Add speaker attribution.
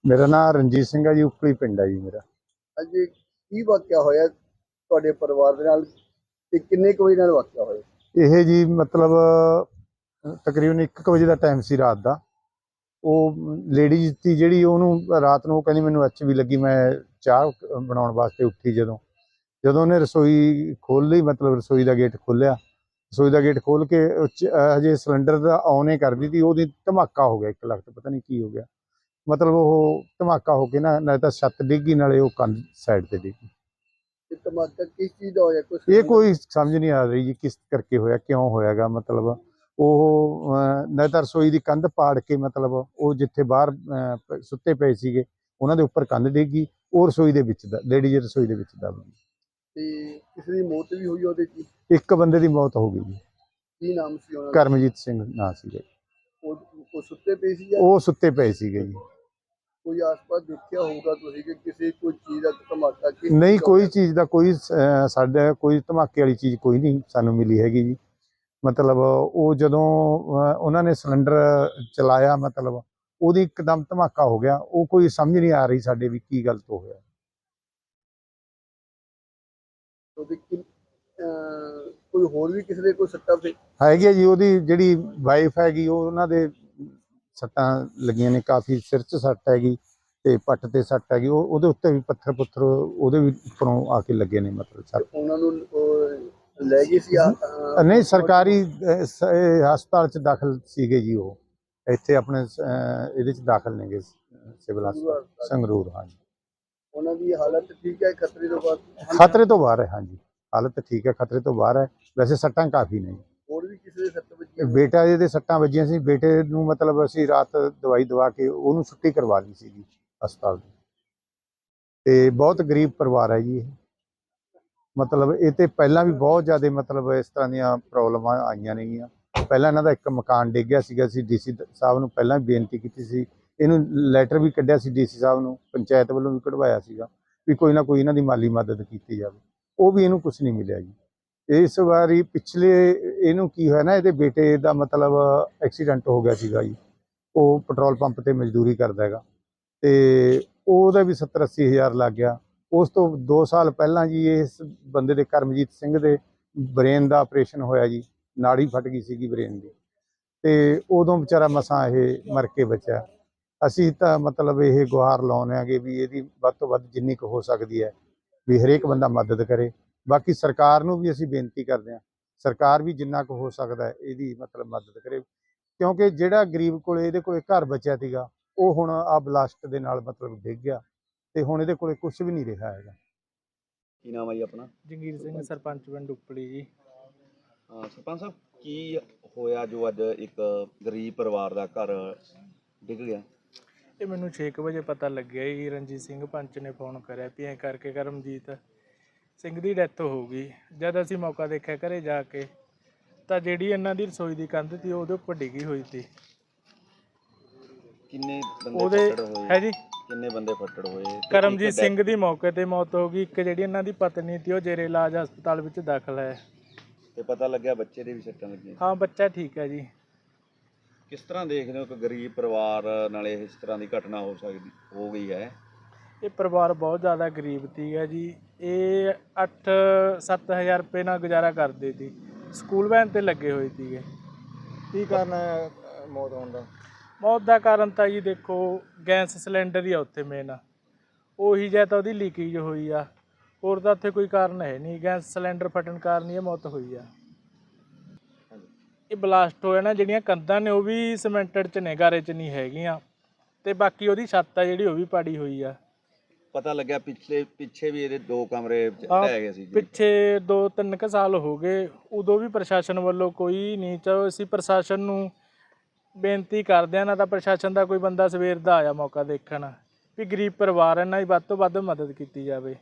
Speaker 1: मेरा नाम रणजीत सिंह है जी, उपली पिंड है जी मेरा।
Speaker 2: ਅੱਜ ਕੀ ਵਾਕਿਆ ਹੋਇਆ ਤੁਹਾਡੇ ਪਰਿਵਾਰ ਦੇ ਨਾਲ ਤੇ ਕਿੰਨੇ ਕੁ ਵਜੇ ਨਾਲ ਵਾਕਿਆ ਹੋਇਆ?
Speaker 1: ਇਹ ਜੀ ਮਤਲਬ ਤਕਰੀਬਨ 1 ਵਜੇ ਦਾ ਟਾਈਮ ਸੀ ਰਾਤ ਦਾ। ਉਹ ਲੇਡੀਜ਼ ਸੀ ਜਿਹੜੀ, ਉਹਨੂੰ ਰਾਤ ਨੂੰ ਉਹ ਕਹਿੰਦੀ ਮੈਨੂੰ ਐਚ ਵੀ ਲੱਗੀ। ਮੈਂ ਚਾਹ ਬਣਾਉਣ ਵਾਸਤੇ ਉੱਠੀ ਜਦੋਂ ਉਹਨੇ ਰਸੋਈ ਖੋਲ੍ਹ ਲਈ, ਮਤਲਬ ਰਸੋਈ ਦਾ ਗੇਟ ਖੋਲ੍ਹਿਆ। ਰਸੋਈ ਦਾ ਗੇਟ ਖੋਲ੍ਹ ਕੇ ਹਜੇ ਸਿਲੰਡਰ ਦਾ ਔਨ ਹੀ ਕਰਦੀ ਸੀ, ਉਹਦੀ ਧਮਾਕਾ ਹੋ ਗਿਆ 1 ਲੱਖ, ਪਤਾ ਨਹੀਂ ਕੀ ਹੋ ਗਿਆ। ਮਤਲਬ ਉਹ ਧਮਾਕਾ ਹੋ ਕੇ ਨਾਲੇ ਤਾਂ ਛੱਤ ਡਿੱਗੀ, ਨਾਲੇ ਉਹ ਕੰਧ ਸਾਈਡ ਤੇ ਡਿੱਗੀ।
Speaker 2: ਤੇ ਧਮਾਕਾ ਕਿਸ ਚੀਜ਼ ਦਾ ਹੋਇਆ? ਕੁਛ
Speaker 1: ਇਹ ਕੋਈ ਸਮਝ ਨਹੀਂ ਆ ਰਹੀ ਜੀ ਕਿਸ ਕਰਕੇ ਹੋਇਆ, ਕਿਉਂ ਹੋਇਆਗਾ। ਮਤਲਬ ਉਹ ਨਾਲੇ ਤਾਂ ਰਸੋਈ ਦੀ ਕੰਧ ਪਾੜ ਕੇ, ਮਤਲਬ ਉਹ ਜਿੱਥੇ ਬਾਹਰ ਸੁੱਤੇ ਪਏ ਸੀਗੇ ਉਹਨਾਂ ਦੇ ਉੱਪਰ ਕੰਧ ਡਿੱਗੀ, ਉਹ ਰਸੋਈ ਦੇ ਵਿੱਚ ਦਾ ਲੇਡੀਜ਼ ਰਸੋਈ ਦੇ ਵਿੱਚ ਦਬ ਗਈ।
Speaker 2: ਤੇ ਕਿਸੇ ਦੀ ਮੌਤ ਵੀ ਹੋਈ ਉਹਦੇ ਚ?
Speaker 1: ਇੱਕ ਬੰਦੇ ਦੀ ਮੌਤ ਹੋ ਗਈ ਜੀ।
Speaker 2: ਕੀ ਨਾਮ ਸੀ ਉਹਨਾਂ ਦਾ?
Speaker 1: ਕਰਮਜੀਤ ਸਿੰਘ ਨਾਂ ਸੀਗਾ।
Speaker 2: ਉਹ ਸੁੱਤੇ ਪਏ ਸੀ ਜਾਂ
Speaker 1: ਉਹ ਸੁੱਤੇ ਪਏ ਸੀਗੇ ਜੀ।
Speaker 2: ਕੋਈ ਆਸ-ਪਾਸ ਦੇਖਿਆ ਹੋਊਗਾ ਤੁਸੀਂ ਕਿ ਕਿਸੇ ਕੋਈ ਚੀਜ਼ ਦਾ ਧਮਾਕਾ?
Speaker 1: ਨਹੀਂ, ਕੋਈ ਚੀਜ਼ ਦਾ ਕੋਈ ਸਾਡੇ ਕੋਈ ਧਮਾਕੇ ਵਾਲੀ ਚੀਜ਼ ਕੋਈ ਨਹੀਂ ਸਾਨੂੰ ਮਿਲੀ ਹੈਗੀ ਜੀ। ਮਤਲਬ ਉਹ ਜਦੋਂ ਉਹਨਾਂ ਨੇ ਸਿਲੰਡਰ ਚਲਾਇਆ, ਮਤਲਬ ਉਹਦੀ ਇੱਕਦਮ ਧਮਾਕਾ ਹੋ ਗਿਆ। ਉਹ ਕੋਈ ਸਮਝ ਨਹੀਂ ਆ ਰਹੀ ਸਾਡੇ ਵੀ ਕੀ ਗਲਤ ਹੋ ਗਿਆ।
Speaker 2: ਕੋਈ ਹੋਰ ਵੀ ਕਿਸੇ ਦੇ ਕੋਈ ਸੱਟਾਂ
Speaker 1: ਹੈਗੀ ਜੀ, ਉਹਦੀ ਜਿਹੜੀ ਵਾਈਫ ਹੈਗੀ ਉਹਨਾਂ ਦੇ ਸੱਟਾਂ ਲੱਗੀਆਂ ਨੇ ਕਾਫੀ, ਸਿਰ 'ਚ ਸੱਟ ਹੈਗੀ ਤੇ ਪੱਟ ਤੇ ਸੱਟ ਹੈਗੀ। ਉਹਦੇ ਉੱਤੇ ਵੀ ਪੱਥਰ ਪੁੱਥਰ ਉਹਦੇ ਵੀ ਉੱਪਰੋਂ ਆ ਕੇ ਲੱਗੇ ਨੇ, ਮਤਲਬ ਸੱਟ।
Speaker 2: ਉਹਨਾਂ ਨੂੰ ਲੈ ਗਏ ਸੀ?
Speaker 1: ਨਹੀਂ, ਸਰਕਾਰੀ ਹਸਪਤਾਲ 'ਚ ਦਾਖਲ ਸੀਗੇ ਜੀ। ਉਹ ਇੱਥੇ ਆਪਣੇ ਇਹਦੇ 'ਚ ਦਾਖਲ ਨੇਗੇ, ਸਿਵਲ ਹਸਪਤਾਲ ਸੰਗਰੂਰ। ਹਾਂਜੀ,
Speaker 2: ਉਹਨਾਂ ਦੀ ਹਾਲਤ ਠੀਕ ਹੈ? ਖਤਰੇ ਤੋਂ ਬਾਅਦ?
Speaker 1: ਖਤਰੇ ਤੋਂ ਬਾਹਰ ਹੈ। ਹਾਂਜੀ, ਹਾਲਤ ਠੀਕ ਹੈ, ਖਤਰੇ ਤੋਂ ਬਾਹਰ ਹੈ। ਵੈਸੇ ਸੱਟਾਂ ਕਾਫੀ ਨੇ।
Speaker 2: ਹੋਰ ਵੀ ਕਿਸੇ ਦੇ ਸੱਟ ਵੱਜੀ?
Speaker 1: ਬੇਟਾ ਇਹਦੇ ਸੱਟਾਂ ਵੱਜੀਆਂ ਸੀ। ਬੇਟੇ ਨੂੰ ਮਤਲਬ ਅਸੀਂ ਰਾਤ ਦਵਾਈ ਦਵਾ ਕੇ ਉਹਨੂੰ ਛੁੱਟੀ ਕਰਵਾ ਲਈ ਸੀਗੀ ਹਸਪਤਾਲ ਦੀ। ਤੇ ਬਹੁਤ ਗਰੀਬ ਪਰਿਵਾਰ ਹੈ ਜੀ ਇਹ। ਮਤਲਬ ਇਹ ਤੇ ਪਹਿਲਾਂ ਵੀ ਬਹੁਤ ਜ਼ਿਆਦਾ ਮਤਲਬ ਇਸ ਤਰ੍ਹਾਂ ਦੀਆਂ ਪ੍ਰੋਬਲਮਾਂ ਆਈਆਂ ਨੇਗੀਆਂ। ਪਹਿਲਾਂ ਇਹਨਾਂ ਦਾ ਇੱਕ ਮਕਾਨ ਡਿੱਗ ਗਿਆ ਸੀਗਾ। ਅਸੀਂ ਡੀਸੀ ਸਾਹਿਬ ਨੂੰ ਪਹਿਲਾਂ ਵੀ ਬੇਨਤੀ ਕੀਤੀ ਸੀ, ਇਹਨੂੰ ਲੈਟਰ ਵੀ ਕੱਢਿਆ ਸੀ ਡੀਸੀ ਸਾਹਿਬ ਨੂੰ, ਪੰਚਾਇਤ ਵੱਲੋਂ ਵੀ ਕਢਵਾਇਆ ਸੀਗਾ ਵੀ ਕੋਈ ਨਾ ਕੋਈ ਇਹਨਾਂ ਦੀ ਮਾਲੀ ਮਦਦ ਕੀਤੀ ਜਾਵੇ। ਉਹ ਵੀ ਇਹਨੂੰ ਕੁਛ ਨਹੀਂ ਮਿਲਿਆ ਜੀ। ਇਸ ਵਾਰੀ ਪਿਛਲੇ ਇਹਨੂੰ ਕੀ ਹੋਇਆ ਨਾ, ਇਹਦੇ ਬੇਟੇ ਦਾ ਮਤਲਬ ਐਕਸੀਡੈਂਟ ਹੋ ਗਿਆ ਸੀਗਾ ਜੀ। ਉਹ ਪੈਟਰੋਲ ਪੰਪ ਤੇ ਮਜ਼ਦੂਰੀ ਕਰਦਾ ਹੈਗਾ ਤੇ ਉਹਦਾ ਵੀ 70-80 ਹਜ਼ਾਰ ਲੱਗ ਗਿਆ। ਉਸ ਤੋਂ 2 ਸਾਲ ਪਹਿਲਾਂ ਜੀ ਇਸ ਬੰਦੇ ਦੇ, ਕਰਮਜੀਤ ਸਿੰਘ ਦੇ, ਬ੍ਰੇਨ ਦਾ ਆਪਰੇਸ਼ਨ ਹੋਇਆ ਜੀ। ਨਾੜੀ ਫਟ ਗਈ ਸੀਗੀ ਬ੍ਰੇਨ ਦੀ, ਤੇ ਉਦੋਂ ਵਿਚਾਰਾ ਮਸਾਂ ਇਹ ਮਰ ਕੇ ਬਚਿਆ। ਅਸੀਂ ਤਾਂ ਮਤਲਬ ਇਹ ਗੁਹਾਰ ਲਾਉਂਦੇ ਆਂਗੇ ਵੀ ਇਹਦੀ ਵੱਧ ਤੋਂ ਵੱਧ ਜਿੰਨੀ ਕੁ ਹੋ ਸਕਦੀ ਹੈ ਵੀ ਹਰੇਕ ਬੰਦਾ ਮਦਦ ਕਰੇ। ਬਾਕੀ ਸਰਕਾਰ ਨੂੰ ਵੀ ਅਸੀਂ ਬੇਨਤੀ ਕਰਦੇ ਹਾਂ, ਸਰਕਾਰ ਵੀ ਜਿੰਨਾ ਕੁ ਹੋ ਸਕਦਾ ਇਹਦੀ ਮਤਲਬ ਮਦਦ ਕਰੇ, ਕਿਉਂਕਿ ਜਿਹੜਾ ਗਰੀਬ ਕੋਲ ਇਹਦੇ ਕੋਲ ਘਰ ਬਚਿਆ ਸੀਗਾ ਉਹ ਹੁਣ ਆ ਬਲਾਸਟ ਦੇ ਨਾਲ ਮਤਲਬ ਡਿੱਗ ਗਿਆ ਤੇ ਹੁਣ ਇਹਦੇ ਕੋਲ ਕੁਝ ਵੀ ਨਹੀਂ ਰਿਹਾ ਹੈਗਾ।
Speaker 2: ਕੀ ਨਾਮ ਹੈ ਜੀ ਆਪਣਾ?
Speaker 3: ਜੰਗੀਰ ਸਿੰਘ, ਸਰਪੰਚ ਪਿੰਡ ਉਪਲੀ ਜੀ।
Speaker 2: ਸਰਪੰਚ ਸਾਹਿਬ, ਕੀ ਹੋਇਆ ਜੋ ਅੱਜ ਇੱਕ ਗਰੀਬ ਪਰਿਵਾਰ ਦਾ ਘਰ ਡਿੱਗ ਗਿਆ?
Speaker 3: ਇਹ ਮੈਨੂੰ 6 ਵਜੇ ਪਤਾ ਲੱਗਿਆ ਜੀ। ਰਣਜੀਤ ਸਿੰਘ ਪੰਚ ਨੇ ਫੋਨ ਕਰਿਆ ਵੀ ਐਂ ਕਰਕੇ ਕਰਮਜੀਤ ਸਿੰਘ ਦੀ ਡੈਥ ਹੋ ਗਈ। ਜਦ ਅਸੀਂ ਮੌਕਾ ਦੇਖਿਆ ਘਰੇ ਜਾ ਕੇ ਤਾਂ ਜਿਹੜੀ ਇਹਨਾਂ ਦੀ ਰਸੋਈ ਦੀ ਕੰਧ ਸੀ ਉਹਦੇ ਉੱਪਰ ਡਿੱਗੀ ਹੋਈ ਸੀ।
Speaker 2: ਕਿੰਨੇ
Speaker 3: ਉਹਦੇ ਹੈ ਜੀ,
Speaker 2: ਕਿੰਨੇ ਬੰਦੇ ਫੱਟੜ ਹੋਏ?
Speaker 3: ਕਰਮਜੀਤ ਸਿੰਘ ਦੀ ਮੌਕੇ ਤੇ ਮੌਤ ਹੋ ਗਈ। ਇੱਕ ਜਿਹੜੀ ਇਹਨਾਂ ਦੀ ਪਤਨੀ ਸੀ ਉਹ ਜੇਰੇ ਇਲਾਜ ਹਸਪਤਾਲ ਵਿੱਚ ਦਾਖਲ ਹੈ।
Speaker 2: ਤੇ ਪਤਾ ਲੱਗਿਆ ਬੱਚੇ ਦੇ ਵੀ ਸੱਟਾਂ ਲੱਗੀਆਂ?
Speaker 3: ਹਾਂ, ਬੱਚਾ ਠੀਕ ਹੈ ਜੀ।
Speaker 2: ਕਿਸ ਤਰ੍ਹਾਂ ਦੇਖਦੇ ਹੋ ਕਿ ਗਰੀਬ ਪਰਿਵਾਰ ਨਾਲ ਇਸ ਤਰ੍ਹਾਂ ਦੀ ਘਟਨਾ ਹੋ ਗਈ ਹੈ?
Speaker 3: ਇਹ ਪਰਿਵਾਰ ਬਹੁਤ ਜ਼ਿਆਦਾ ਗਰੀਬ ਸੀਗਾ ਜੀ। ਇਹ 8-7 ਹਜ਼ਾਰ ਰੁਪਏ ਨਾਲ ਗੁਜ਼ਾਰਾ ਕਰਦੇ ਸੀ। ਸਕੂਲ ਵੈਨ ਤੇ ਲੱਗੇ ਹੋਏ ਸੀਗੇ।
Speaker 2: ਕੀ ਕਾਰਨ ਹੈ ਮੌਤ ਹੋਣ ਦਾ?
Speaker 3: ਮੌਤ ਦਾ ਕਾਰਨ ਤਾਂ ਜੀ ਦੇਖੋ, ਗੈਸ ਸਿਲੰਡਰ ਹੀ ਆ ਉੱਥੇ ਮੇਨ। ਉਹੀ ਜਾਂ ਤਾਂ ਉਹਦੀ ਲੀਕੇਜ ਹੋਈ ਆ, ਹੋਰ ਤਾਂ ਉੱਥੇ ਕੋਈ ਕਾਰਨ ਹੈ ਨਹੀਂ। ਗੈਸ ਸਿਲੰਡਰ ਫਟਣ ਕਾਰਨ ਹੀ ਇਹ ਮੌਤ ਹੋਈ ਆ। ਇਹ ਬਲਾਸਟ ਹੋਇਆ ਨਾ, ਜਿਹੜੀਆਂ ਕੰਧਾਂ ਨੇ ਉਹ ਵੀ ਸੀਮੈਂਟਡ 'ਚ ਨੇ, ਗਾਰੇ 'ਚ ਨਹੀਂ ਹੈਗੀਆਂ। ਤੇ ਬਾਕੀ ਉਹਦੀ ਛੱਤ ਆ ਜਿਹੜੀ ਉਹ ਵੀ ਪਾੜੀ ਹੋਈ ਆ।
Speaker 2: ਪਤਾ ਲੱਗਿਆ ਪਿੱਛੇ ਵੀ ਇਹਦੇ 2 ਕਮਰੇ ਢਹਿ ਗਏ ਸੀ।
Speaker 3: ਪਿੱਛੇ 2-3 ਕੁ ਸਾਲ ਹੋ ਗਏ, ਉਦੋਂ ਵੀ ਪ੍ਰਸ਼ਾਸਨ ਵੱਲੋਂ ਕੋਈ ਨਹੀਂ। ਚਲੋ ਅਸੀਂ ਪ੍ਰਸ਼ਾਸਨ ਨੂੰ ਬੇਨਤੀ ਕਰਦੇ ਹਾਂ, ਨਾ ਤਾਂ ਪ੍ਰਸ਼ਾਸਨ ਦਾ ਕੋਈ ਬੰਦਾ ਸਵੇਰ ਦਾ ਆਇਆ ਮੌਕਾ ਦੇਖਣ ਵੀ ਗਰੀਬ ਪਰਿਵਾਰ ਇਹਨਾਂ ਦੀ ਵੱਧ ਤੋਂ ਵੱਧ ਮਦਦ ਕੀਤੀ ਜਾਵੇ।